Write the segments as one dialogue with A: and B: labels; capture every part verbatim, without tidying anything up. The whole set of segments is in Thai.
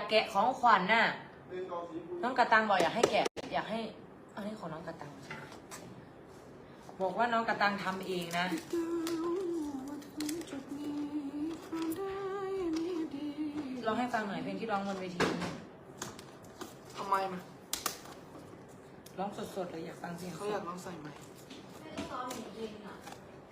A: แกะของขวัญน่ะน้องกระตังบอกอยากให้แกะอยากให้อันนี้ของน้องกระตังบอกว่าน้องกระตังทำเองนะร้องให้ฟังหน่อยเพลงที่ร้องบนเวที
B: ทำไมมัน
A: ร้องสดๆเลยอยากฟังเสียง
B: เขาอยากร้องใส่ไหม
C: ไม่ได้ซ้อมจริงอ่ะ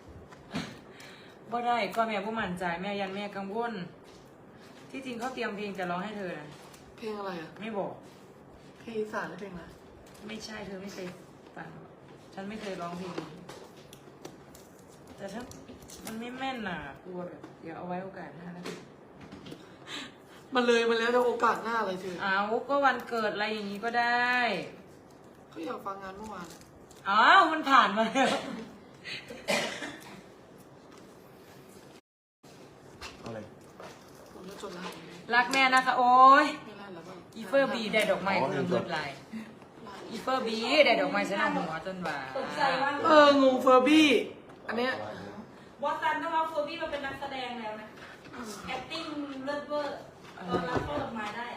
A: บ่ได้ก็แม่ผู้มั่นใจแม่ยันแม่กังวลที่จริงเขาเตรียมเพลงจะร้องให้เธอนะ
B: เพลงอะไรอ่ะ
A: ไม่บอก
B: เพลงอีสานหรือเพลงอะไร
A: ไม่ใช่เธอไม่เคยฟังฉันไม่เคยร้องเพลงแต่ถ้ามันไม่แม่นน่ะกลัวแบบเดี๋ยวเอาไว้โอกาสหน้าแล้ว
B: มันเลยมาแล้วจะโอกาสหน้าอะไรเธอ
A: อ้าวก็วันเกิดอะไรอย่างนี้ก็ได้
B: เขาอยากฟังงานเมื่อวาน
A: อ้าวมันผ่านมาแล้ว
D: อะไร
B: ผมจะจดรหัส
A: รักแม่นะคะโอ้ย
B: ไม่ไล่แล้วก็
A: อีเฟอร์บีได้ดอกไม้เพิ่มเงินไหลอีเฟอร์บีได้ดอกไม้ฉันเอาหัวจนว่า
B: เอองงเฟอร์บี้อันเนี้ย
C: บอสตันต้องเอาเฟอร์บี้มาเป็นนักแสดงแล้วนะ acting เลิศเวอร์ตอนรับเข้าดอกไม้ได้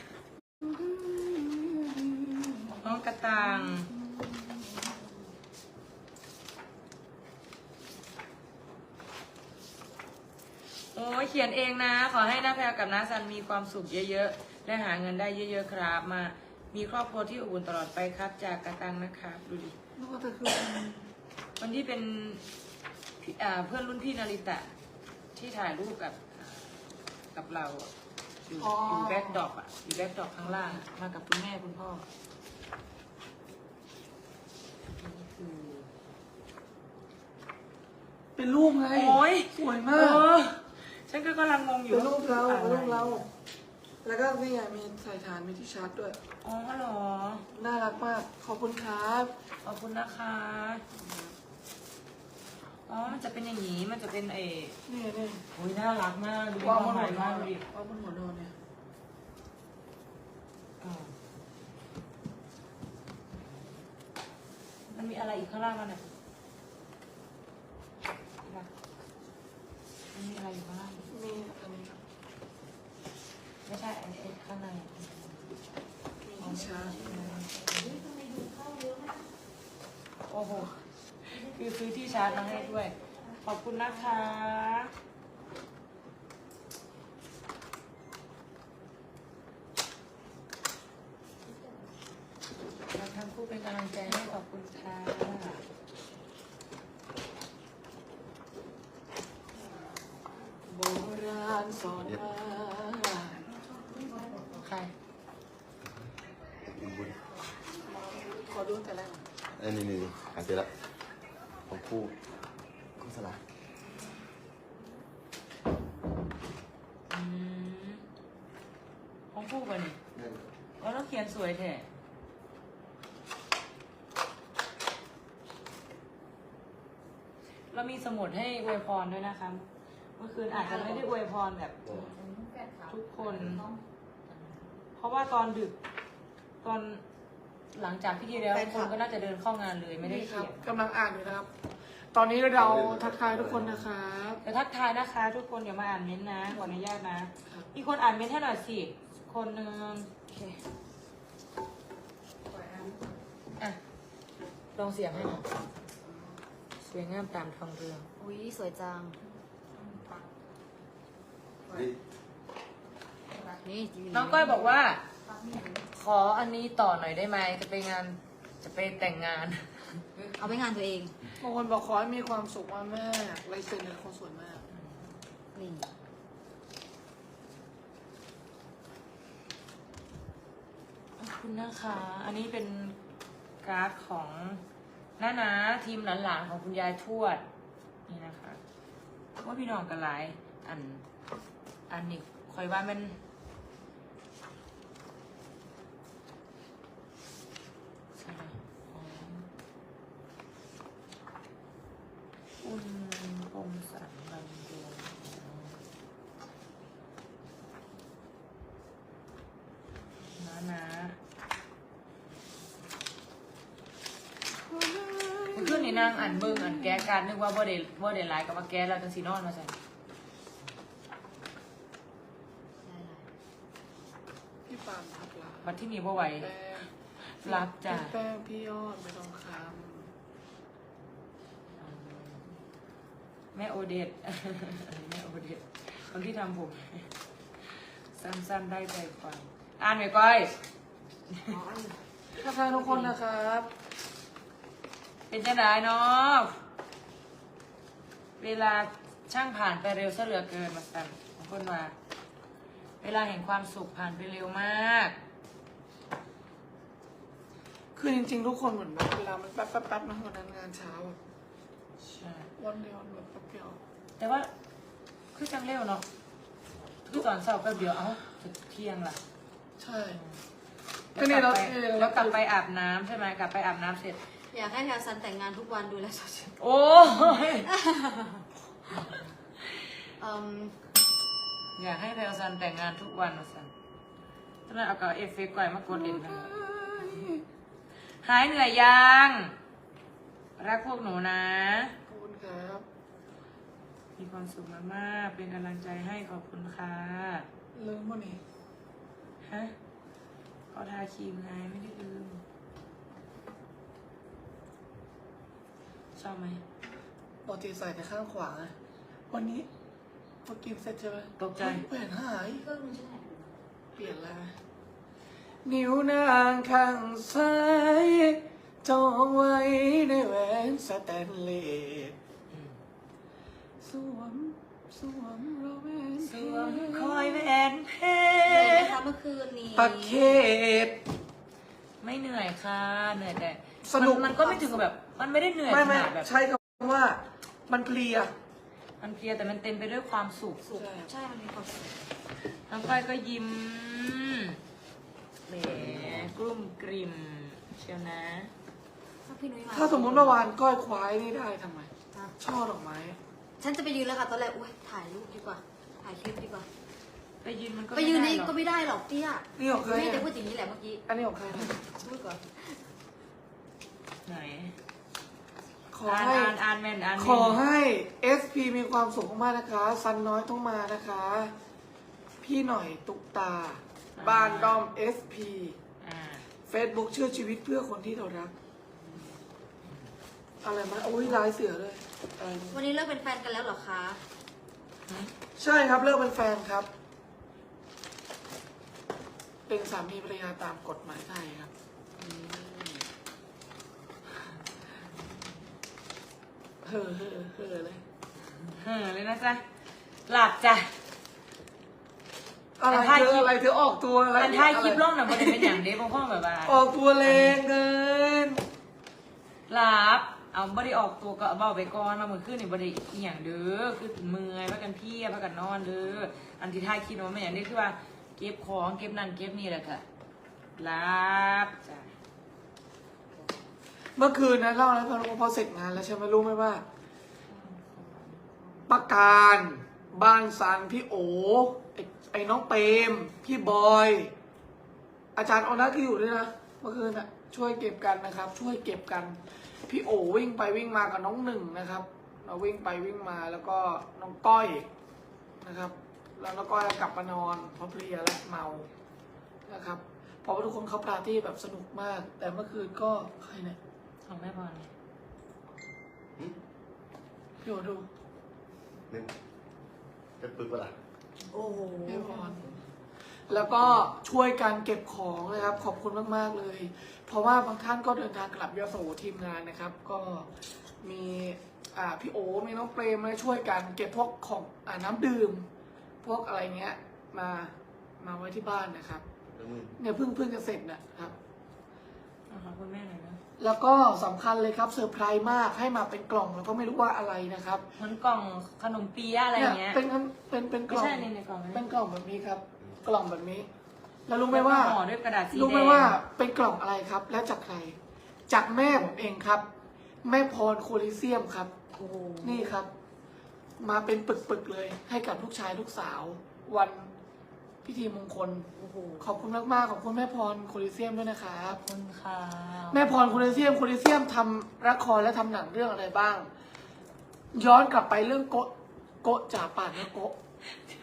A: น้องกระตังโอ้ยเขียนเองนะขอให้น้าแพรกับน้าซันมีความสุขเยอะๆและหาเงินได้เยอะๆครับมามีครอบครัวที่อบอุ่นตลอดไปครับจากกระตังนะครับดูดิวันที่เป็นเพื่อนรุ่นพี่นาริตะที่ถ่ายรูปกับกับเราอยู่อยู่แบ็คดรอปอ่ะอยู่แบ็คดรอปข้างล่างมากับคุณแม่คุณพ่อนี่คือ
B: เป็นรูปไง
A: โอ้ย
B: สวยมาก
A: ฉันก็กำลังงงอยู่
B: เป็นรูปเราเป็นรูปเราแล้วก็นี่ไงมีใส่ฐานมีที่ชาร์จด้วย
A: อ๋อเหรอ
B: น่ารักมากขอบคุณครับ
A: ขอบคุณนะคะอ๋อมันจะเป็นอย่างนี้มันจะเป็นเอ
B: นี่นี่
A: โอ้ยน่ารักมากดู
B: วางบนหั
A: วน
B: อน
A: ดิ
B: วางบนหัวนอนเนี่ย
A: มันมีอะไรอีกข้างล่างมันอ่ะมันมีอะไรอยู่ข้างล่าง
B: มีอันนี้
A: ไม่ใช่อันนี้ข้างใน
B: มีชา
A: โอ้โหคือซื้อที่ชาร์จมาให้ด้วยขอบคุณนะคะเราทั้งคู่เป็นกำลังใจให้ขอบคุณค่ะ
B: โบราณสอนมา
A: ใคร
B: ขอดูแต่แรก
D: อันนี้นี่อ่านเสร็จแล้วของคู่โฆษณา
A: อืมของคู่กันนี่แล้วเราเขียนสวยแท้เรามีสมุดให้อวยพรด้วยนะคะเมื่อคืนอาจจะไม่ได้อวยพรแบบทุกคนเพราะว่าตอนดึกตอนหลังจากพิธีแล้วทุกคนก็น่าจะเดินเข้างานเลยไม่ได้เขียน
B: กำลังอ่านอยู่นะครับตอนนี้เราทักทายทุกคนนะครับ
A: จะทักทายนะคะทุกคนอย่ามาอ่านเม้นต์นะขออนุญาตนะมีคนอ่านเม้นต์ให้หน่อยสิคนหนึ่งโอเคอ่ะลองเสียงให้หน่อยสวยงามตามทองเรือง
C: อุ้ยสวยจังนี่
A: น้องก้อยบอกว่าขออันนี้ต่อหน่อยได้ไหมจะไปงานจะไปแต่งงาน
C: เอาไปงานตัวเอง
B: บางคนบอกขอให้มีความสุขมากแม่ลายเซ็นเป็นคนสวยมาก
C: นี่
A: ขอบคุณนะคะอันนี้เป็นการ์ดของน้านาทีมหลานๆของคุณยายทวดนี่นะคะว่าพี่น้องกันหลายอันอันนี้คอยว่ามันคุณคมสันบำรุงนะนะเพื่อนนี่นั่งอ่านเบิ้งอ่านแก้การนึกว่าบ่ได้บ่ได้ไลน์กับว่าแก้แล้วจังสีนอนมาใส่
B: ปานทับลา
A: บัดที่นี่บ่ไหว
B: แป้ง
A: รับจ้ะ
B: พี่แป้งพี่ยอดไม่ต้องค
A: แม่โอเดต แม่โอเดตคนที่ทำผมสั้นๆได้ใจความอ่านไหมก้อย
B: ำทักทายทุกคนนะครับ
A: เป็นจังไดเนาะเวลาช่างผ่านไปเร็วซะเหลือเกินมาสั่นบางคนว่าเวลาแห่งความสุขผ่านไปเร็วมาก
B: คือจริงๆทุกคนเหมือนแบบเวลามันแป๊บแป๊บแป๊บนะวันนั้นงานเช้าอะ
A: ใช่
B: วันเดียวแบบแป๊บเดียว
A: แต่ว่าคือจังเร็วเนาะคือตอนเช้าแป๊บเดียวเอ้าจะเที่ยงล่ะ
B: ใช่
A: แล้วกลับไปแล้วกลับไปอาบน้ำใช่ไหมกลับไปอาบน้ำเสร็จ
E: อยากให้แถวซันแต่งงานทุกวันดูแลสดชื่น
A: โอ้ย
E: อืม
A: อยากให้แพลซันแต่งงานทุกวันมาสั่นตอนนั้นเอากับเอฟเฟกต์ก่อยมากดเล่นกันหายเหนื่อยยัง รักพวกหนูนะ
B: ขอบคุณครับ
A: มีความสุขมากๆเป็นกำลังใจให้ขอบคุณค่ะ
B: ลืมวันนี้
A: ฮะก็ทาครีมไงไม่ได้ลืม ชอบไหม
B: ปกติใส่แต่ข้างขวาไงวันนี้พอกินเสร็จใช่ไหม
A: ตกใจ
B: แหวนหาย
E: เครื่องนึงใช่ไหม
B: เปลี่ยนแล้ว นิ้วนางข้างซ้ายจองไว้ในแหวนสแตนเลสสวมสวมเราแหวน
A: สวมคอยแหวนเพ
E: เลย
A: ชร
E: นะคะเมื่อคืนนี้
B: ประเขต
A: ไม่เหนื่อยค่ะเหนื่อยแต่
B: สนุก
A: มันมันก็ไม่ถึงกับแบบ มันไม่ได้เหนื่อย
B: ไม่
A: ข
B: ไม่
A: นาดแบบ
B: ใช้คำว่ามันเพลีย
A: มันเพลียแต่มันเต็มไปด้วยความสุข
E: สุขใช่มันมีความสุข
A: น้องก้อยก็ยิ้มแหมกลุ้มกลิ่มเชียวนะ
E: ถ้าพี่นุ้ยมา
B: ถ้าสมมติเมื่อวานก้อยควายนี่ได้ทำไม
E: อ่ะ
B: ช่อดอกไม้
E: ฉันจะไปยืนแล้วค่ะตอนแรกอุ้ยถ่ายรูปดีกว่า ถ่ายคลิปดีกว่า
A: ไปยืนมันก็
E: ไปยืนนี่
A: ม่ด้หรอ
E: ก็ไม่ได้หรอกเตี้ย
B: นี่ของใคร
E: แม่
B: อะ
E: จะพูดอย่างนี้แหละเมื่อกี้
B: อันนี้ของใครนะ
E: พูดก่อน
A: ไหน
B: ขอ
A: อ่าน
B: ให้
A: อ่านอ่านแม่นอ่าน
B: ข
A: แม่
B: อน ให้ เอส พี มีความสุขมากๆนะคะ ซันน้อยต้องมานะคะ พี่หน่อยตุกตา บ้านด้อม เอส พี
A: อ่า
B: Facebook เชื่อชีวิตเพื่อคนที่เรารัก อะไรมาโอ้ยลายเสือเลยอะไรนะ
E: วันนี้เลิกเป็นแฟนกันแล้วเหรอคะ
B: ใช่ครับเลิกเป็นแฟนครับ เป็นสามีภรรยาตามกฎหมายไทยครับเฮ่อเฮ่อเฮ่อเลย
A: เฮ้อเลยนะจ๊ะ หลับจ้ะ
B: อะไร
A: แต่ถ่าย
B: เธ
A: คลิ
B: อ
A: ป
B: อะไรเธอออกตัวอะไร
A: อันท้ายคลิป
B: อะไร
A: ล่องน่ะมันเป็นอย่างเด้บางข้อแบบว่า
B: ออกตัวแรงเกิน
A: หลับ เอาบ่ได้ออกตัวก็เบาไปก่อนมาเมื่อคืนนี่บ่ได้อีหยังเด้อคือเมื่อยพักกันเพลียพักกันนอนเด้ออันที่ท้ายคลิปมันไม่อย่างนี้คือว่าเก็บของเก็บนั่นเก็บนี่แหละค่ะหลับจ้ะ
B: เมื่อคืนนะเล่าแล้วพอพอเสร็จงานแล้วใช่ไหมรู้ไหมว่าประการ บ้านซันพี่โอไอ้ไอ้น้องเปรมพี่บอย อาจารย์ออนัทก็อยู่ด้วยนะเมื่อคืนน่ะช่วยเก็บกันนะครับ ช่วยเก็บกัน พี่โอวิ่งไปวิ่งมากับน้องหนึ่งนะครับ เราวิ่งไปวิ่งมาแล้วก็น้องก้อยนะครับ แล้วน้องก้อยกลับมานอนเพราะเพลียและเมานะครับเพราะว่าทุกคนเขาปาร์ตี้แบบสนุกมาก แต่เมื่อคืนก็ใครเนี่ย
A: ของแม่พร
B: พี่โอดู
D: นึงจะปึกปะล่ะ
E: โอ้โห
B: แม่พรแล้วก็ช่วยกันเก็บของนะครับ ขอบคุณมากๆเลย เพราะว่าบางท่านก็เดินทางกลับยโสทีมงานนะครับ ก็มีอ่าพี่โอมีน้องเปรมมาช่วยกันเก็บพวกของอ่าน้ำดื่ม พวกอะไรเงี้ยมามาไว้ที่บ้านนะครับ
D: แล้วมึง
B: เนี่ยเพิ่งเพิ่งจะเสร็จนะครับ
A: เอาขอบคุณแม่หน่อยนะ
B: แล้วก็สำคัญเลยครับเซอร์ไพรส์มากให้มาเป็นกล่องแล้วก็ไม่รู้ว่าอะไรนะครับ
A: เหมือนกล่องขนมเปี๊ยะอะไรอย่างเงี้ย
B: เป็นเป็นเป็นก
A: ไม่
B: ล่อง
A: ใช่ในในกล่อง
B: เป็
A: นะ
B: นกล่องแบบนี้ครับ กล่องแบบนี้ แล้วรู้ไหมว่า
A: ห่อด้วยกระดาษสีแดง
B: รู้ไหมว่าเป็นกล่องอะไรครับ และจากใคร จากแม่ผมเองครับ แม่พรโคลิเซียมครับ
E: โอ้โห
B: นี่ครับ มาเป็นปึกๆเลย ให้กับลูกชายลูกสาว วันพิธีมงคล
E: โอ้โห
B: ขอบคุณมากๆขอบคุณแม่พรโคลิเซียมด้วยนะครับ
A: ขอบคุณค่ะ
B: แม่พรโคลิเซียมโคลิเซียมทำละครและทำหนังเรื่องอะไรบ้าง ย้อนกลับไปเรื่องโกะโกะจ่าป่านและโกะ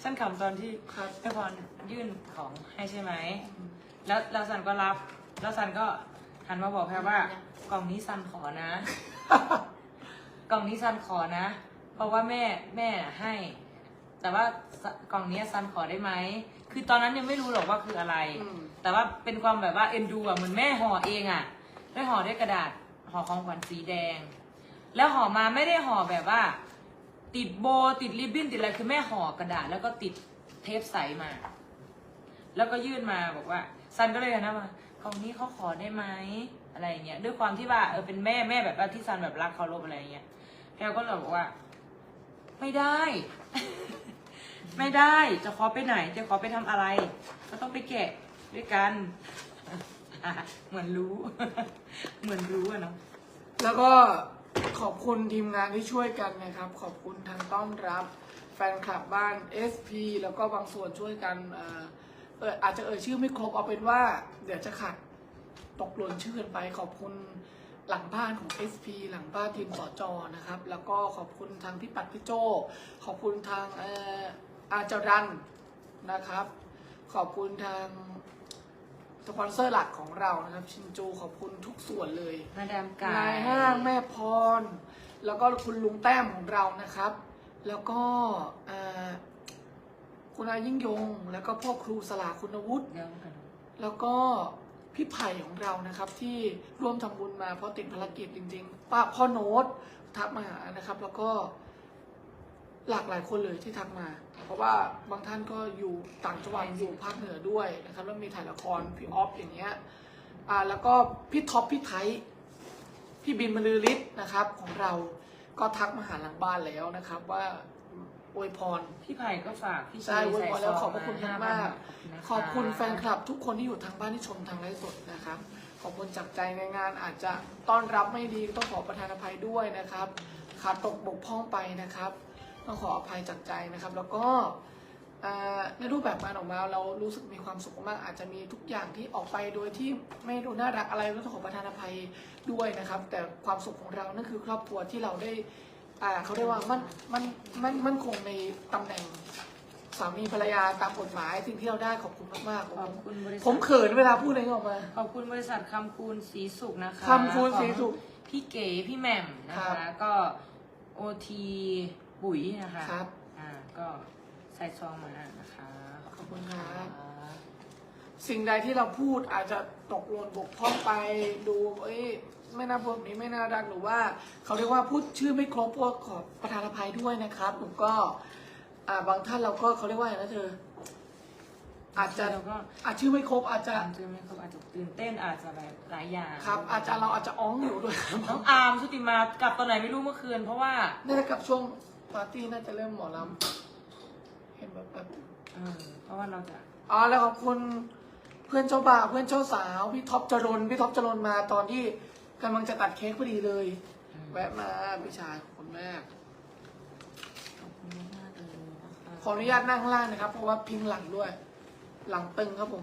A: ฉันขำตอนที่
B: ครับ
A: แม่พรยื่นของให้ใช่ไหม แล้วแล้วซันก็รับ แล้วซันก็หันมาบอกแพรว่ากล่องนี้ซันขอนะ กล่องนี้ซันขอนะ เพราะว่าแม่แม่ให้ แต่ว่ากล่องนี้ซันขอได้ไหม คือตอนนั้นยังไม่รู้หรอกว่าคืออะไร
B: อืม
A: แต่ว่าเป็นความแบบว่าเอ็นดูอะเหมือนแม่ห่อเองอะได้ห่อด้วยกระดาษห่อของขวัญสีแดง แล้วห่อมาไม่ได้ห่อแบบว่า ติดโบติดริบบิ้นติดอะไรคือแม่ห่อกระดาษแล้วก็ติดเทปใสมา แล้วก็ยื่นมาบอกว่าซันก็เลยนะว่ากล่องนี้เขาขอได้ไหมอะไรอย่างเงี้ยด้วยความที่ว่าเออเป็นแม่แม่แบบว่าที่ซันแบบรักเคารพอะไรอย่างเงี้ยแพลก็เลยบอกว่า ไม่ได้ ไม่ได้จะขอไปไหน จะขอไปทำอะไร ก็ต้องไปแกะด้วยกัน เหมือนรู้ เหมือนรู้อะเนาะ
B: แล้วก็ขอบคุณทีมงานที่ช่วยกันนะครับ ขอบคุณทางต้อนรับแฟนคลับบ้าน เอส พี แล้วก็บางส่วนช่วยกันเอ่อเอออาจจะเอ่ยชื่อไม่ครบเอาเป็นว่า เดี๋ยวจะขัดตกหล่นชื่อกันไป ขอบคุณหลังบ้านของ เอส พี หลังบ้านทีมสจนะครับ แล้วก็ขอบคุณทางพี่ปัดพี่โจขอบคุณทางเอ่ออาจารันนะครับ ขอบคุณทางสปอนเซอร์หลักของเรานะครับ ชินจูขอบคุณทุกส่วนเลย
A: มาดามกาย
B: นายห้างแม่พร แล้วก็คุณลุงแต้มของเรานะครับ แล้วก็อ่าคุณอายิ่งยง แล้วก็พ่อครูสลาคุณวุฒิ
A: เดี๋ยวกัน
B: แล้วก็พี่ไผ่ของเรานะครับ ที่ร่วมทำบุญมาเพราะติดภารกิจจริงๆป้าพ่อโน้ตทักมาหานะครับ แล้วก็หลากหลายคนเลยที่ทักมา เพราะว่าบางท่านก็อยู่ต่างจังหวัดอยู่ภาคเหนือด้วยนะครับแล้วมีถ่ายละครพี่ออฟอย่างเงี้ยอ่าแล้วก็พี่ท็อปพี่ไทย พี่บินบรรลือฤทธิ์นะครับของเราก็ทักมาหาหลังบ้านแล้วนะครับ ว่าอวยพร
A: พี่ไผ่ก็ฝากพี่
B: ใช่อวยพรแล้วขอบพระคุณ
A: ห้
B: มาก
A: พัน
B: ๆขอบคุณแฟนคลับทุกคนที่อยู่ทางบ้านที่ชมทางไลฟ์สดนะครับ ขอบคุณจากใจในงานอาจจะต้อนรับไม่ดีต้องขอประทานอภัยด้วยนะครับขาดตกบกพร่องไปนะครับต้องขออภัยจากใจนะครับ แล้วก็อ่าในรูปแบบงานออกมาเรารู้สึกมีความสุขมากอาจจะมีทุกอย่างที่ออกไปโดยที่ไม่ดูน่ารักอะไรต้องขอประทานอภัยด้วยนะครับ แต่ความสุขของเรานั่นคือครอบครัวที่เราได้อ่าเขาเรียกว่ามันมันมันมันคงในตำแหน่งสามีภรรยาตามกฎหมายสิ่งที่เราได้ขอบคุณมากๆ
A: ขอบคุณบริษัท
B: ผมเขินเวลาพูดอะไรออกมา
A: ขอบคุณบริษัทคำคูณสีสุขนะคะ
B: คำคูณศรีสุข
A: ของพี่เก๋พี่แหม่มนะ
B: ครั
A: คะ
B: บ
A: ก็โอทีปุ๋ยนะคะ
B: ครับ
A: อ่าก็ใส่ซองมานะคะ
B: ขอบคุณครับ สิ่งใดที่เราพูดอาจจะตกหล่นบกพร่องไปดูเอ้ยไม่น่าพูดแบบนี้ไม่น่ารักหรือว่า เขาเรียกว่าพูดชื่อไม่ครบก็ขอประทานอภัยด้วยนะครับผมก็อ่าบางท่านเราก็เขาเรียกว่าอะไรนะเธอ อาจจะ
A: เราก็
B: อาจชื่อไม่ครบอาจจะ
A: อาจจะไม่ครบอาจจะตื่นเต้นอาจจะแบบหลายอย่าง
B: ครับ อาจจะเราอาจจะอ้องอยู่ด้วยครับ
A: น้องอาร์มชุติมากลับตอนไหนไม่รู้เมื่อคืน เพราะว่า
B: น่าจะกับช่วงปาร์ตี้น่าจะเริ่มหมอลำเห็นแบบแบบ
A: เออเพราะว่าเราจะ
B: อ๋อแล้วขอบคุณเพื่อนเจ้าบ่าวเพื่อนเจ้าสาวพี่ท็อปจรนพี่ท็อปจรนมาตอนที่กำลังจะตัดเค้กพอดีเลย แวะมาพี่ชายขอบคุณมาก
A: ขอบคุณมากๆเลยนะคะ
B: ขออนุญาตนั่งข้างล่างนะครับ เพราะว่าพิงหลังด้วย หลังตึงครับผม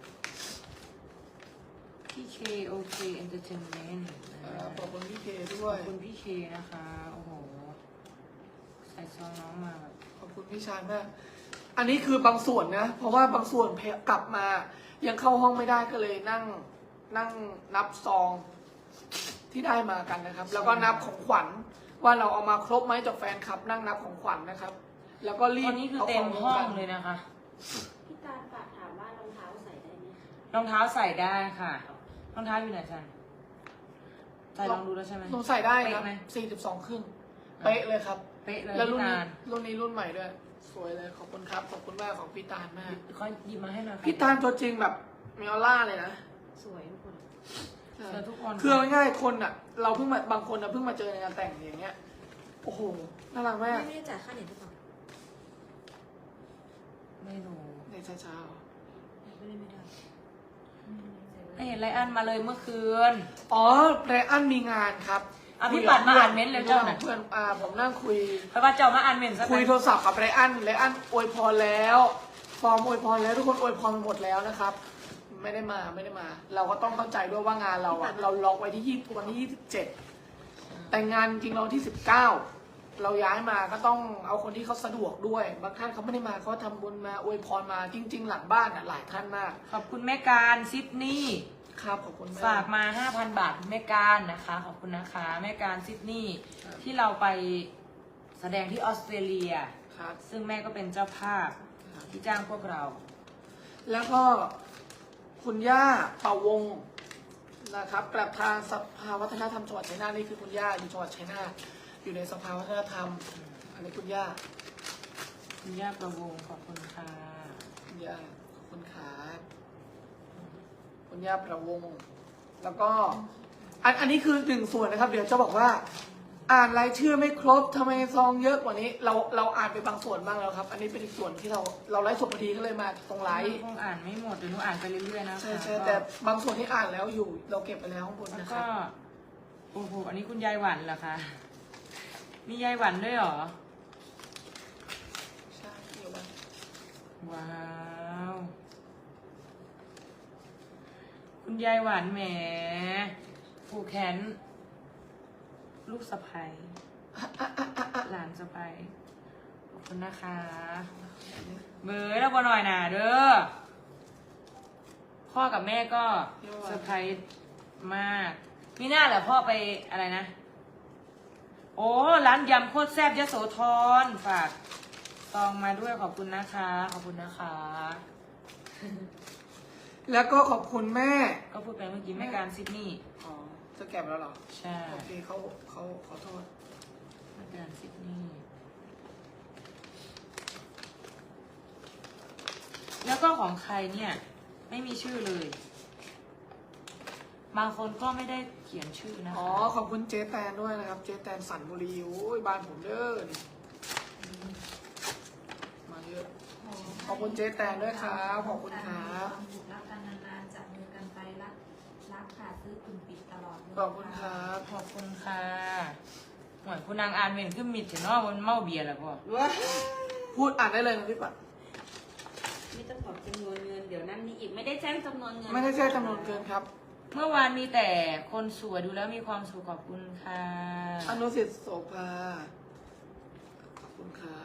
A: พี่เคโอเคเอนเตอร์เทนเมนต์
B: เอ่อขอบคุณพี่เคด้
A: ข
B: ว
A: อย บคุณพี่เคนะคะ โอ้โห ใส่ซองน้องมาแบบ
B: ขอบคุณพี่ชายมาก อันนี้คือบางส่วนนะ เพราะว่าบางส่วนเพกลับมา ยังเข้าห้องไม่ได้ก็เลยนั่งนั่งนับซองที่ได้มากันนะครับ แล้วก็นับของขวัญว่าเราเอามาครบไหมจากแฟนคลับ นั่งนับของขวัญนะครับ แล้วก็รี
A: ต
B: บ
A: อนนี้คือ
B: เอา
A: เต็
B: ข
A: ม
B: อง
A: ห้อง
B: กัน
A: เลยนะคะ
C: พี่การฝากถามว่ารองเท้าใส่ได้ไหมคะ
A: รองเท้าใส่ได้ค่ะ รองเท้าอยู่ไหนจันใส่ลองดูแล้วใช่ไหม
B: ลงใส่ได้ครับ
A: เป๊ะไหม
B: สี่สิบสองครึ่งเป๊ะเลยครับ
A: เป๊ะเลย
B: แล้วรุ่น
A: พี่
B: นี้
A: ตาล
B: รุ่นนี้รุ่นใหม่ด้วย สวยเลย ขอบคุณครับ ขอบคุณมากของพี่ตาลมาก
A: ค่อยหยิบมาให้หน่อยค่ะ
B: พี่ตาลตัวจริงแบบมีออร่าเลยนะ
C: สวยทุกคน
A: เจอทุกคน
B: คือเอาง่ายๆคนอ่ะ เราเพิ่งมาบางคนอ่ะเพิ่งมาเจอในงานแต่งอย่างเงี้ย โอ้โห น่ารักมาก
E: ไม่ได้จ่ายค่าเน็ตหรือเปล่า
A: ไม่รู้
B: ในเช้า
E: ไม่ได้ไม่ได้
A: ไม่เห็นไรอันมาเลยเมื่อคืน
B: ๆอ๋อไรอันมีงานครับ
A: อ่ะพี่ปัดมาอ่านเม้นต์เร็วเจ้าหน่อย
B: เพื่อนอ่าผมนั่งคุย
A: เพราะว่าเจ้ามาอ่านเมนซะ
B: คุยโทรศัพท์กับไรอันไรอันอวยพรแล้ว ฟอร์มอวยพรแล้วทุกคนอวยพรหมดแล้วนะครับ ไม่ได้มาไม่ได้มา เราก็ต้องเข้าใจด้วยว่างานเราอะเราล็อกไว้ที่ยี่วันที่ยี่สิบเจ็ดแต่งานจริงเราที่สิบเก้าเราย้ายมาก็ต้องเอาคนที่เขาสะดวกด้วย บางท่านเขาไม่ได้มาเขาทำบุญมาอวยพรมาจริง ๆ หลังบ้านอ่ะหลายท่านมาก
A: ขอบคุณแม่การซิดนีย์
B: ครับขอบคุณแม่
A: ฝากมา ห้าพัน บาทแม่การนะคะ ขอบคุณนะคะแม่การซิดนีย์ที่เราไปแสดงที่ออสเตรเลีย
B: ครับ
A: ซึ่งแม่ก็เป็นเจ้าภาพที่จ้างพวกเรา
B: แล้วก็คุณย่าเป่าวงศ์นะครับกลับทางสภาวัฒนธรรมจังหวัดชัยนาทนี่คือคุณย่าอยู่จังหวัดชัยนาทอยู่ในสภาวัฒนธรรมอันนี้คุณย่า
A: คุณย่าประวงขอบคุณค่ะ
B: คุณย่าขอบคุณครับคุณย่าประวงศ์แล้วก็อันอันนี้คือหนึ่งส่วนนะครับ เดี๋ยวจะบอกว่า อ่านรายชื่อไม่ครบทำไมซองเยอะกว่านี้ เราเราอ่านไปบางส่วนบ้างแล้วครับ อันนี้เป็นอีกส่วนที่เราเราไลฟ์สดพอดีก็เลยมาตรงไลฟ์
A: คงอ่านไม่หมดเดี๋ยวหนูอ่านไปเรื่อยๆนะคะ
B: ใช่ใช่แต่บางส่วนที่อ่านแล้วอยู่ เราเก็บไปแล้วข้างบน
A: แล้ว
B: นะค
A: ก็
B: รับ
A: โอ้โหอันนี้คุณยายหวันเหรอคะมียายหวันด้วยเหรอ
B: ใช่เดี๋ยววัน
A: ว้าว คุณยายหวานแหมผูกแขนลูกสะใภ้หลานสะใภ้ขอบคุณนะคะ เบยแล้วบอหน่อยหนาเด้อ พ่อกับแม่ก็เซอร์ไพรส์มาก มีหน้าเหรอพ่อไปอะไรนะ โอ้ร้านยำโคตรแซ่บยโสธรฝากซองมาด้วยขอบคุณนะคะ ขอบคุณนะคะ
B: แล้วก็ขอบคุณแม่
A: ก็พูดไปเมื่อกี้แม่การซิดนีย์
B: อ๋อจะแก็บแล้วเหรอ
A: ใช่
B: โอเคเขาเขาขอโทษ
A: แม่การซิดนีย์แล้วก็ของใครเนี่ย ไม่มีชื่อเลย บางคนก็ไม่ได้เขียนชื่อนะคะ
B: อ๋อขอบคุณเจ๊แตนด้วยนะครับ เจ๊แตนสันบุรีโอ้ยบ้านผมเด้อนี่มาเยอะ ขอบคุณเจ๊แตนด้วยครับขอบคุณครับ
C: รักกันนานๆจับมือกันไปรักรักค่ะซื้อกลุ่มปิดตลอดเลย
B: ขอบคุณครับ
A: ขอบคุณค่ะเหมือนคุณนางอานเมนขึ้นมิดเถอะเนาะมันเมาเบียร์แล้วพ่อ
B: พูดอ่านได้เลยนะพี่ปัด
C: ไม่ต้องบอกจำนวนเงินเดี๋ยวนั่นนี่อีกไม่ได้แจ้งจำนวนเงิน
B: ไม่ได้แจ้งจำนวนเกินครับ
A: เมื่อวานมีแต่คนสวยดูแล้วมีความสุขขอบคุณค่ะ
B: อนุสิทธิ์โสภาขอบคุณครับ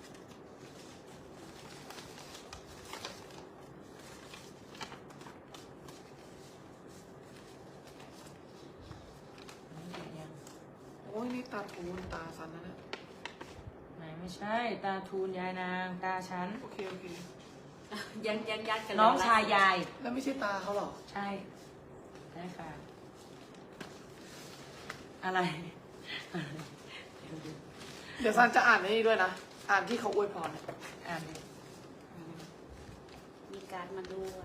B: โอ้ยนี่ตาทูนตาสันนะเนี่ย
A: ไหนไม่ใช่ ตาทูนยายนางตาฉัน
B: โอเคโอเค
C: ยังยังยัดกัน
A: น้องชายยาย
B: แล้วไม่ใช่ตาเขาหรอ
A: ใช่ใช่ค่ะ อะไร
B: เดี๋ยวซันจะอ่านในนี้ด้วยนะ อ่านที่เขาอวยพรเนี่ย
A: อ่านดิ
C: มีการมาด้วย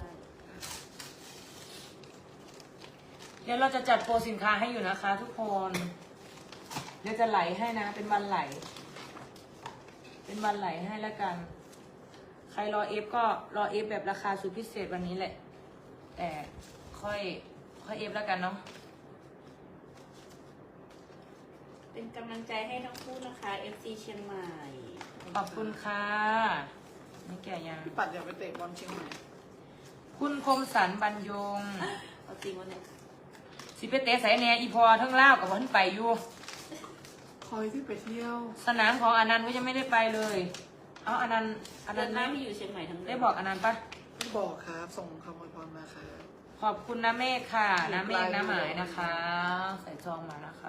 A: เดี๋ยวเราจะจัดโปรสินค้าให้อยู่นะคะ ทุกคน เดี๋ยวจะไหลให้นะ เป็นวันไหล เป็นวันไหลให้แล้วกัน ใครรอเอฟก็รอเอฟแบบราคาสุดพิเศษวันนี้แหละ แต่ค่อยค่อยเอฟแล้วกันเนาะ
C: เป็นกำลังใจให้ทั้งคู่นะคะ เอฟ ซี เชียงใหม่
A: ขอบคุณค่ะนี่แก่ยัง
B: พี่ปัดอย่าไปเตะบอลเชียงใหม่
A: คุณคมสันบรรยง
C: เอาจริงวะเนี่ย
A: สิไปเตะใส่แหนอีพอทั้งเล่าวกับวันไปอยู่
B: คอยที่ไปเที่ยว
A: สนามของอนันต์ก็ยังไม่ได้ไปเลย เอาอนันต์อนั
C: เดิ
A: น
C: น
A: ต์
C: หน้า
A: ไม่
C: ที่อยู่เชียงใหม่ทั้งเดืน
A: ได้บอกอนันต์ปะ
B: พี่บอกครับ ส่งคำอวยพรมาครับ
A: ขอบคุณน้าเมฆค่ะ
B: อยู่
A: น้าเมฆ
B: ไกล
A: น้าหมาย
B: อยู่
A: นะคะ ใส่จองมานะคะ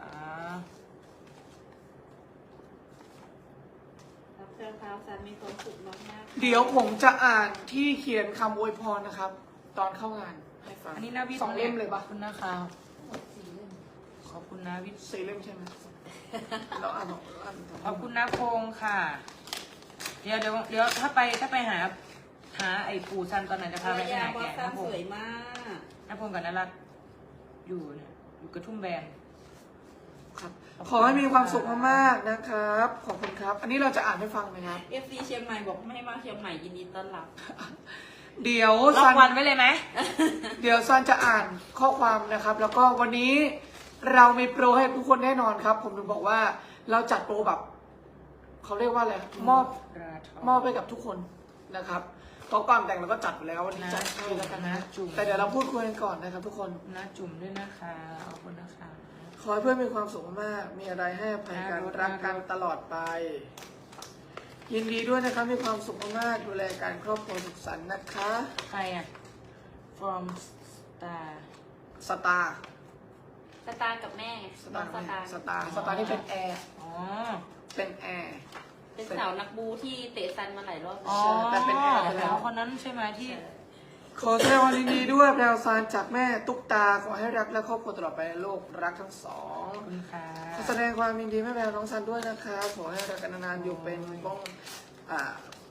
C: รับเสื้อขาวสันมีความสุขมากๆ
B: เดี๋ยวผมจะอ่านที่เขียนคำอวยพรนะครับ ตอนเข้างานให้ฟัง
A: อันนี้นาวิทย์
B: สองเล่มเลยปะ
A: ขอบคุณนะคะ ขอบคุณนาวิทย์
B: สี่เล่มใช่ไหมเราอ่านสองอ่านสอง
A: ขอบคุณนาพงษ์ค่ะ เดี๋ยวเดี๋ยวเดี๋ยวถ้าไปถ้าไปหา หาไอ้ปู่ซันตอนไหนจะพาไปที่ไหน
C: บอ
A: แก
C: สซั
A: นาน พ
C: ส
A: ง
C: วย
A: ษ์
C: มาก
A: นาพงษ์กับนารัตน์อยู่เนี่ยอยู่กระทุ่มแบน
B: ครับ
A: ขอบคุณ
B: ขอให้มีความสุขมากๆนะครับ ขอบคุณครับ อันนี้เราจะอ่านให้ฟังนะครับ
C: เอฟซีเชียงใหม่บอกไม่ให้มาเชียงใหม่ยินดีต้อนรับ
B: เดี๋ยว
A: ล็อ
B: ซั
A: กวันไว้เลยไหม
B: เดี๋ยวซันจะอ่านข้อความนะครับ แล้วก็วันนี้เรามีโปรให้ทุกคนแน่นอนครับ ผมถึงบอกว่าเราจัดโปรแบบเขาเรียกว่าอะไรมอบ
A: ราท
B: มอบไปกับทุกคนนะครับเพราะก่อนแต่งเราก็จัดไปแล้ววันนี้จัดให้แล้วกันนะ
A: จุ่ม
B: แต่เดี๋ยวเราพูดคุยกันก่อนนะครับ ทุกคน
A: นะจุ่มด้วยนะคะขอบคุณนะคะ
B: ขอให้เพื่อนมีความสุขมาก มีอะไรให้อภัยกันรักกันตลอดไป ยินดีด้วยนะครับมีความสุขมากดูแลการครอบครัวสุขสันต์นะคะ
A: ใครอ่ะ from star
B: สตาร์
C: สตาร์กับแม่ไง
B: ส
C: น้
B: ตา
C: อง
B: ร์
C: สตาร์
B: สตาร์สตาร์นี่เป็นแอร์
A: อ๋อ
B: เป็นแอร์
C: เป็นสาวนักบูที่เตะซันมาหลายรอบ
A: อ๋อ
B: แต่เป็นแอร์ไปแล้ว
A: คนนั้นใช่ไหมที่
B: ขอแสดงความยินดีด้วยแพรวซานจากแม่ตุ๊กตาขอให้รักและครอบครัวตลอดไปในโลกรักทั้งสอง
A: ขอบคุณค่ะ
B: ขอแสดงความยินดีแม่แพรวน้องซันด้วยนะคะขอให้รักกันนานๆอยู่เป็นบ้องอ่า